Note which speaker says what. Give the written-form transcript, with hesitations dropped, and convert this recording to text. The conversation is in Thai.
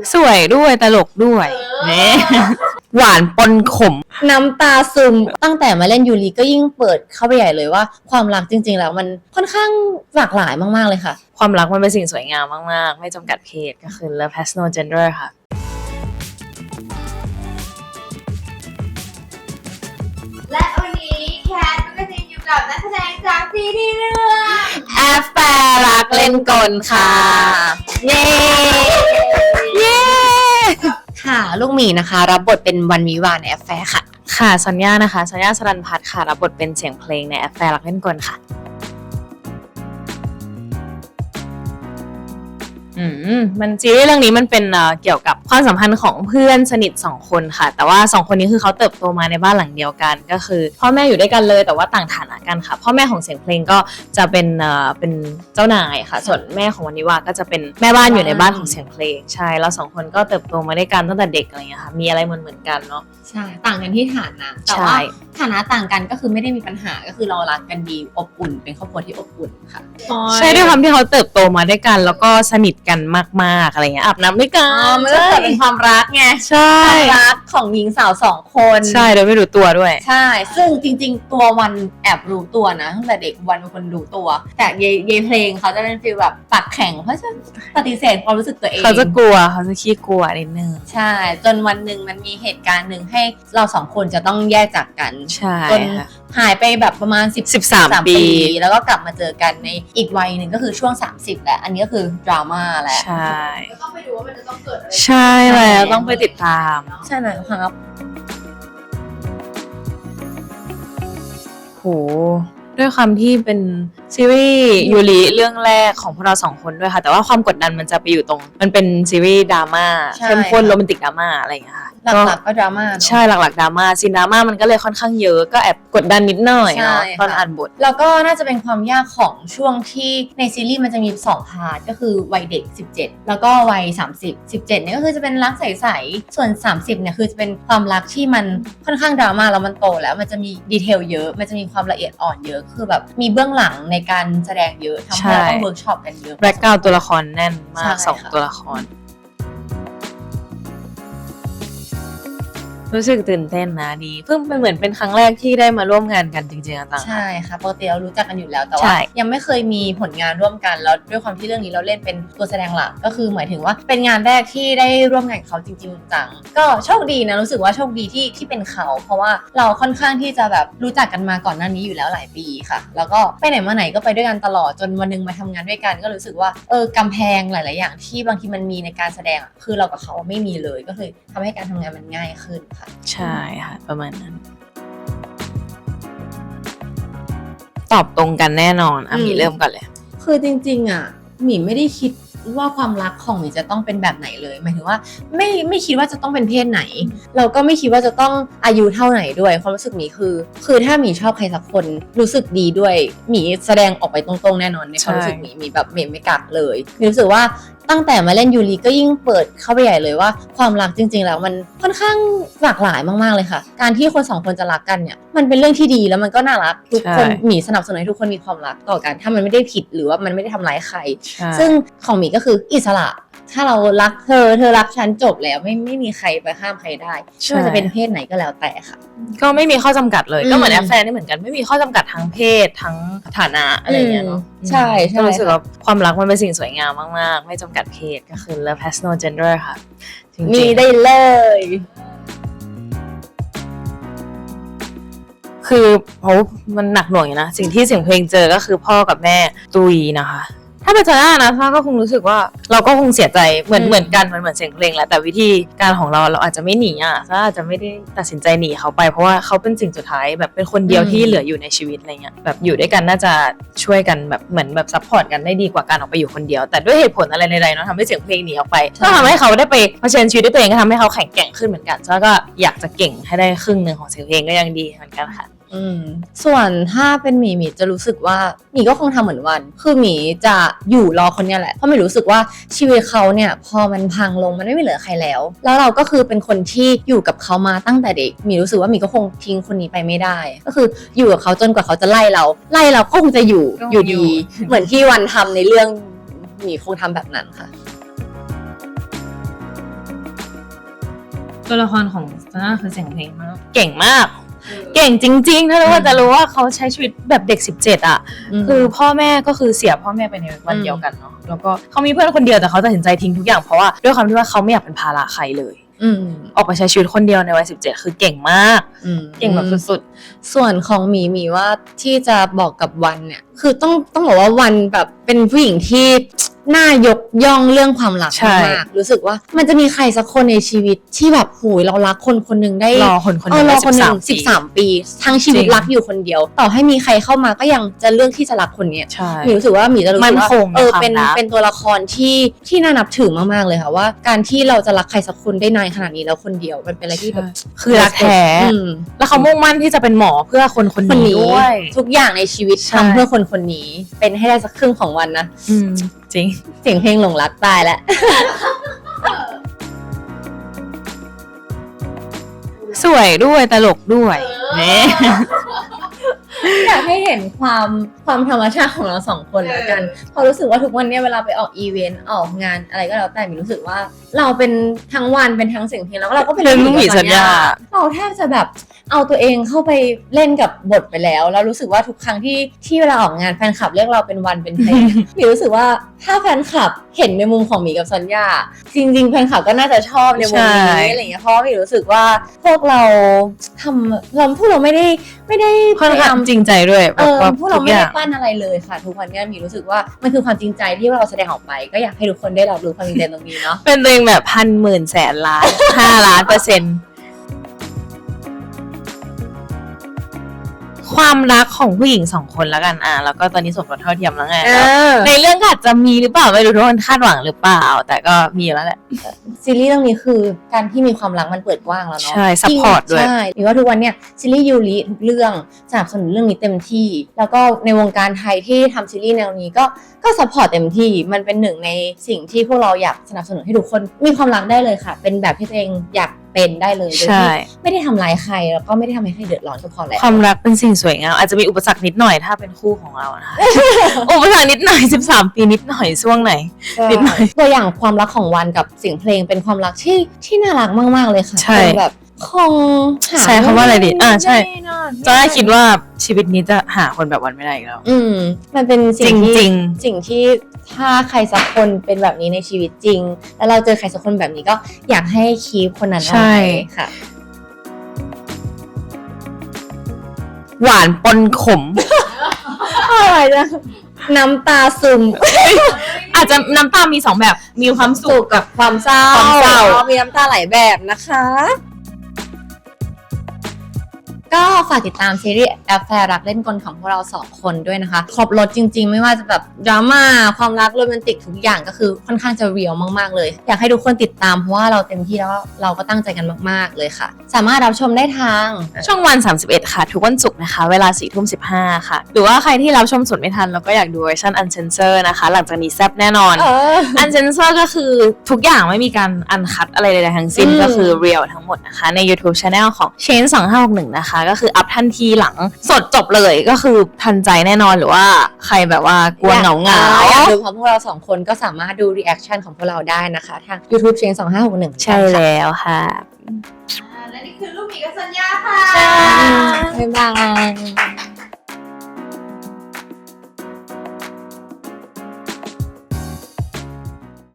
Speaker 1: สวยด้วยตลกด้วยเนี่ยหวานปนขม
Speaker 2: น้ำตาซึมตั้งแต่มาเล่นยูริก็ยิ่งเปิดเข้าไปใหญ่เลยว่าความรักจริงๆแล้วมันค่อนข้างหลากหลายมากๆเลยค่ะ
Speaker 1: ความรักมันเป็นสิ่งสวยงามมากๆไม่จำกัดเพศก็คือ Love has no gender ค่ะ
Speaker 3: และวันนี้แคทก็จะอยู่กับนักแสดงจากซีรีส์เรื่อง
Speaker 1: แอฟแฟร์รักเล่นกลค่ะเย้เย้
Speaker 2: ค่ะลูกหมีนะคะรับบทเป็นวันวิวาในแอฟแฟร์ค่ะ
Speaker 1: ค่ะสัญญานะคะสัญญาสรัญพัฒน์ค่ะรับบทเป็นเสียงเพลงในแอฟแฟร์รักเล่นกลค่ะมันซีรีส์เรื่องนี้มันเป็นเกี่ยวกับความสัมพันธ์ของเพื่อนสนิท2คนค่ะแต่ว่า2คนนี้คือเขาเติบโตมาในบ้านหลังเดียวกันก็คือพ่อแม่อยู่ด้วยกันเลยแต่ว่าต่างฐานะกันค่ะพ่อแม่ของเสียงเพลงก็จะเป็นเจ้านายค่ะส่วนแม่ของวันนิวาก็จะเป็นแม่บ้านอยู่ในบ้านของเสียงเพลงใช่แล้ว2คนก็เติบโตมาด้วยกันตั้งแต่เด็กอะไรเงี้ยค่ะมีอะไรเหมือนกันเนาะ
Speaker 2: ใช่ต่างกันที่ฐานะแต่ว่าฐานะต่างกันก็คือไม่ได้มีปัญหาก็คือเรารักกันดีอบอุ่นเป็นครอบครัวที่อบอุ่นค่ะ
Speaker 1: ใช่ด้วยความที่เขาเติบโตมาด้วยกันแล้วก็สนิทกันมากๆอะไรเงี้ยอาบน้ำด้วยกัน
Speaker 2: มันก็เกิดเป็นความรักไง
Speaker 1: ใช่
Speaker 2: ความรักของหญิงสาว2คน
Speaker 1: ใช่โดยไม่รู้ตัวด้วย
Speaker 2: ใช่ซึ่งจริงๆตัววันแอบรู้ตัวนะตั้งแต่เด็กวันเป็นคนรู้ตัวแต่เยเพลงเขาจะเป็นฟีลแบบปากแข็งเพราะฉะนั้นปฏิเสธความรู้สึกตัวเอง
Speaker 1: เขาจะกลัวเขาจะขี้กลัวนิดนึง
Speaker 2: ใช่จนวันหนึ่งมันมีเหตุการณ์หนึ่งให้เรา2คนจะต้องแยกจากกัน
Speaker 1: ใช่
Speaker 2: จนหายไปแบบประมาณ13 ปีแล้วก็กลับมาเจอกันในอีกวัยหนึ่งก็คือช่วง30แหละอันนี้ก็คือดราม่าแหละ
Speaker 1: ใช่
Speaker 3: ก็ต้องไปดูว่ามันจะต้องเกิดอะไร
Speaker 1: ใช่แล้วต้องไปติดตาม
Speaker 2: ใช่แล้วครับ
Speaker 1: โหด้วยความที่เป็นซีรีส์ยูริเรื่องแรกของพวกเรา2คนด้วยค่ะแต่ว่าความกดดันมันจะไปอยู่ตรงมันเป็นซีรีส์ดราม่าเข้มข้นโรแมนติกดราม่าอะไรอย่างเงี้ยค่ะ
Speaker 2: หลักๆก็ดราม่า
Speaker 1: ใช่หลักๆดราม่าซีนดราม่ามันก็เลยค่อนข้างเยอะก็แอบกดดันนิดหน่อยเนาะตอนอ่านบท
Speaker 2: แล้วก็น่าจะเป็นความยากของช่วงที่ในซีรีส์มันจะมี2พาร์ทก็คือวัยเด็ก17แล้วก็วัย30 17เนี่ยก็คือจะเป็นรักใสๆส่วน30เนี่ยคือจะเป็นความรักที่มันค่อนข้างดราม่าแล้วมันโตแล้วมันจะมีดีเทลเยอะมันจะมีความละเอียดอ่อนเยอะคือแบบมีเบื้องหลังในการแสดงเยอะทำให้เราต้องเวิร์กช็อปกันเยอะ
Speaker 1: แบ็คกราวด์ตัวละครแน่นมาก2ตัวละครรู้สึกตื่นเต้นนะดีเพิ่งเป็นเหมือนเป็นครั้งแรกที่ได้มาร่วมงานกันจริงๆต่าง
Speaker 2: ใช่ค่ะปกติเรารู้จักกันอยู่แล้วแต่ว่ายังไม่เคยมีผลงานร่วมกันแล้วด้วยความที่เรื่องนี้เราเล่นเป็นตัวแสดงหลักก็คือหมายถึงว่าเป็นงานแรกที่ได้ร่วมงานกับเขาจริงๆจังก็โชคดีนะรู้สึกว่าโชคดีที่เป็นเขาเพราะว่าเราค่อนข้างที่จะแบบรู้จักกันมาก่อนหน้านี้อยู่แล้วหลายปีค่ะแล้วก็ไปไหนมาไหนก็ไปด้วยกันตลอดจนวันนึงมาทำงานด้วยกันก็รู้สึกว่ากำแพงหลายๆอย่างที่บางทีมันมีในการแสดงคือเรากับเขาไม่มีเลยก็คือทำให้การทำงานมันง่ายขึ้น
Speaker 1: ใช่ค่ะประมาณนั้นตอบตรงกันแน่นอนมีเริ่มก่อนเลย
Speaker 2: คือจริงๆหมีไม่ได้คิดว่าความรักของหมีจะต้องเป็นแบบไหนเลยหมายถึงว่าไม่คิดว่าจะต้องเป็นเพศไหนเราก็ไม่คิดว่าจะต้องอายุเท่าไหนด้วยความรู้สึกหมีคือถ้าหมีชอบใครสักคนรู้สึกดีด้วยหมีแสดงออกไปตรงๆแน่นอนในความรู้สึกหมีแบบไม่กักเลยหมีรู้สึกว่าตั้งแต่มาเล่นยูริก็ยิ่งเปิดเข้าไปใหญ่เลยว่าความรักจริงๆแล้วมันค่อนข้างหลากหลายมากๆเลยค่ะการที่คน2คนจะรักกันเนี่ยมันเป็นเรื่องที่ดีแล้วมันก็น่ารักทุกคนหมีสนับสนุนให้ทุกคนมีความรักต่อกันถ้ามันไม่ได้ผิดหรือว่ามันไม่ได้ทำร้ายใครซึ่งของหมีก็คืออิสระถ้าเรารักเธอรักฉันจบแล้วไม่มีใครไปห้ามใครได้ไม่ว่าจะเป็นเพศไหนก็แล้วแต่ค่ะ
Speaker 1: ก็ไม่มีข้อจำกัดเลยก็เหมือนแอฟแฟร์นี่เหมือนกันไม่มีข้อจำกัดทั้งเพศทั้งฐานะอะไรอย่างเงี้ยเนาะ
Speaker 2: ใช่
Speaker 1: ก็รู้สึกว่าความรักมันเป็นสิ่งสวยงามมากๆไม่จำกัดเพศก็คือ Love has no gender ค่ะ
Speaker 2: มีได้เลย
Speaker 1: คือมันหนักหน่วงอยู่นะสิ่งที่เสียงเพลงเจอก็คือพ่อกับแม่ตุยนะคะถ้าเป็นซาร่านะซาร่าก็คงรู้สึกว่าเราก็คงเสียใจเหมือนกันมันเหมือนเสียงเพลงแหละแต่วิธีการของเราอาจจะไม่หนีซาร่าอาจจะไม่ได้ตัดสินใจหนีเขาไปเพราะว่าเขาเป็นสิ่งสุดท้ายแบบเป็นคนเดียวที่เหลืออยู่ในชีวิตอะไรเงี้ยแบบอยู่ด้วยกันน่าจะช่วยกันแบบเหมือนแบบซัพพอร์ตกันได้ดีกว่าการออกไปอยู่คนเดียวแต่ด้วยเหตุผลอะไรใดๆเนาะทำให้เสียงเพลงหนีออกไปก็ทำให้เขาได้ไปเผชิญชีวิตด้วยตัวเองก็ทำให้เขาแข็งแกร่งขึ้นเหมือนกันซาร่าก็อยากจะเก่งให้ได้ครึ่งนึงของเสียงเพลงก็ยังดีเหมือนกันค่ะ
Speaker 2: ส่วนถ้าเป็นหมีจะรู้สึกว่าหมีก็คงทำเหมือนวันคือหมีจะอยู่รอคนนี้แหละเพราะหมีรู้สึกว่าชีวิตเขาเนี่ยพอมันพังลงมันไม่เหลือใครแล้วเราก็คือเป็นคนที่อยู่กับเขามาตั้งแต่เด็กหมีรู้สึกว่าหมีก็คงทิ้งคนนี้ไปไม่ได้ก็คืออยู่กับเขาจนกว่าเขาจะไล่เราก็คงจะอยู่ดีเหมือนที่วันทำในเรื่องหมีคงทำแบบนั้นค่ะ
Speaker 1: ตัวละครของซาน่าคือเสียงเพลงมากเก่งมาก เก่งจริงๆถ้ารู้ว่าจะรู้ว่าเขาใช้ชีวิตแบบเด็ก17อ่ะคือพ่อแม่ก็คือเสียพ่อแม่ไปในวันเดียวกันเนาะแล้วก็เขามีเพื่อนคนเดียวแต่เขาตัดสินใจทิ้งทุกอย่างเพราะว่าด้วยความที่ว่าเขาไม่อยากเป็นภาระใครเลยออกไปใช้ชีวิตคนเดียวในวัย17คือเก่งมากเก่งแบบสุด
Speaker 2: ๆส่วนของหมีว่าที่จะบอกกับวันเนี่ยคือต้องบอกว่าวันแบบเป็นผู้หญิงที่น่ายกย่องเรื่องความรักมากรู้สึกว่ามันจะมีใครสักคนในชีวิตที่แบบโหยเรารักคนคนหนึ่งได้
Speaker 1: รอคนคนหนึ่ง
Speaker 2: รอคนหนึ่ง13 ปีทั้งชีวิตรักอยู่คนเดียว ต่อให้มีใครเข้ามาก็ยังจะเลือกที่จะรักคนนี้หมีรู้สึกว่าหมีจะรู้สึกว่าเป็นตัวละครที่น่านับถือมากๆเลยค่ะว่าการที่เราจะรักใครสักคนได้นานขนาดนี้แล้วคนเดียวมันเป็นอะไรที่แบบ
Speaker 1: คือรักแท้แล้วเขามุ่งมั่นที่จะเป็นหมอเพื่อคนคนนี้ด้วย
Speaker 2: ทุกอย่างในชีวิตทำเพื่อคนคนนี้เป็นให้ได้สักครึ่งของวันนะ
Speaker 1: จริง
Speaker 2: เสียงเพลงหลงรักตายแล้ว
Speaker 1: สวยด้วยตลกด้วยเนี่ย
Speaker 2: อยากให้เห็นความธรรมชาติของเราสองคนแล้วกันพอรู้สึกว่าทุกวันนี้เวลาไปออกอีเวนต์ออกงานอะไรก็แล้วแต่มีรู้สึกว่าเราเป็นทั้งวันเป็นทั้งเสียงเพลงแล้วเราก็เป็น
Speaker 1: ลูกหมีสัญญา
Speaker 2: เราแทบจะแบบเอาตัวเองเข้าไปเล่นกับบทไปแล้วแล้วรู้สึกว่าทุกครั้งที่เวลาออกงานแฟนคลับเรียกเราเป็นวันเป็นเพลงมีรู้สึกว่าถ้าแฟนคลับเห็นในมุมของหมีกับสัญญาจริงๆแฟนคลับก็น่าจะชอบในมุมนี้อะไรอย่างเงี้ยเพราะมีรู้สึกว่าพวกเราพวกเราไม่ได้
Speaker 1: ค่อนข้างจริงใจด้วย
Speaker 2: พวกเราไม่ได้ปั้นอะไรเลยค่ะทุกวันนี้มีรู้สึกว่ามันคือความจริงใจที่เราแสดงออกไปก็อยากให้ทุกคนได้รับรู้ความจริงใจตรงนี้เนาะ
Speaker 1: เป็นตัวเองแบบ1,000,000,000,000,000,000 5,000,000,000%ความรักของผู้หญิง2 คนแล้วกันแล้วก็ตอนนี้สมรสเท่าเทียมแล้วไงในเรื่องอาจจะมีหรือเปล่าไม่รู้ทุกคนคาดหวังหรือเปล่าแต่ก็มีแล้วแหละ
Speaker 2: ซีรีส์เรื่องนี้คือการที่มีความรักมันเปิดกว้างแล้วเนาะ
Speaker 1: ใช่ซัพพอร์ตด้วย
Speaker 2: ใช่หรือว่าทุกวันเนี่ยซีรีส์ยูริทุกเรื่องสนับสนุนเรื่องนี้เต็มที่แล้วก็ในวงการไทยที่ทำซีรีส์แนวนี้ก็ซัพพอร์ตเต็มที่มันเป็นหนึ่งในสิ่งที่พวกเราอยากสนับสนุนให้ทุกคนมีความรักได้เลยค่ะเป็นแบบที่ตัวเองอยากเป็นได้เลยโดยที่ไม่ได้ทำร้ายใครแล้วก็ไม่ได้ทำให้ใครเดือดร้อนก็พอแล้ว
Speaker 1: ความรักเป็นสิ่งสวยงามอาจจะมีอุปสรรคนิดหน่อยถ้าเป็นคู่ของเรานะคะ อุปสรรคนิดหน่อย13 ปีนิดหน่อยช่วงไหนนิดหน่อย
Speaker 2: ตัวอย่างความรักของวันกับเสียงเพลงเป็นความรักที่น่ารักมากๆเลยค่ะแบบคง
Speaker 1: ใช้คำว่าอะไรดีใช่จะได้คิดว่าชีวิตนี้จะหาคนแบบวันไม่ได้อีกแล้ว
Speaker 2: มันเป็นสิ่งที่ถ้าใครสักคนเป็นแบบนี้ในชีวิตจริงแล้วเราเจอใครสักคนแบบนี้ก็อยากให้คีปคนนั้นเอาไว้ค่ะ
Speaker 1: หวานปนขม
Speaker 2: อะไรนะน้ำตาซึม
Speaker 1: อาจจะน้ำตามี2แบบมีความสุขกับ
Speaker 2: ความเศร้ามีน้ำตาหลายแบบนะคะก็ฝากติดตามซีรีส์แอฟแฟร์รักเล่นกลของพวกเรา2 คนด้วยนะคะครบรสจริงๆไม่ว่าจะแบบดราม่าความรักโรแมนติกทุกอย่างก็คือค่อนข้างจะเรียลมากๆเลยอยากให้ทุกคนติดตามเพราะว่าเราเต็มที่แล้วเราก็ตั้งใจกันมากๆเลยค่ะสามารถรับชมได้ทาง
Speaker 1: ช่องวัน31ค่ะทุกวันศุกร์นะคะเวลา 22:15 ค่ะหรือว่าใครที่รับชมสดไม่ทันแล้วก็อยากดูเวอร์ชันอันเซนเซอร์นะคะหลังจากนี้แซ่บแน่นอนอันเซนเซอร์ก็คือทุกอย่างไม่มีการอันคัตอะไรใดๆทั้งสิ้นก็คือเรียลทั้งหมดนะคะใน YouTube Channel ของ Chain 2561นะคะก็คืออัพทันทีหลังสดจบเลยก็คือทันใจแน่นอนหรือว่าใครแบบว่ากลัวเหงา
Speaker 2: อยากดูของพวกเรา2 คนก็สามารถดูรีแอคชั่นของพวกเราได้นะคะทาง YouTube Chain 2561
Speaker 1: ใช่แล้วค่ะ
Speaker 3: และนี่คือลูกหมีกับสัญญาค่ะ
Speaker 2: บ๊ายบาย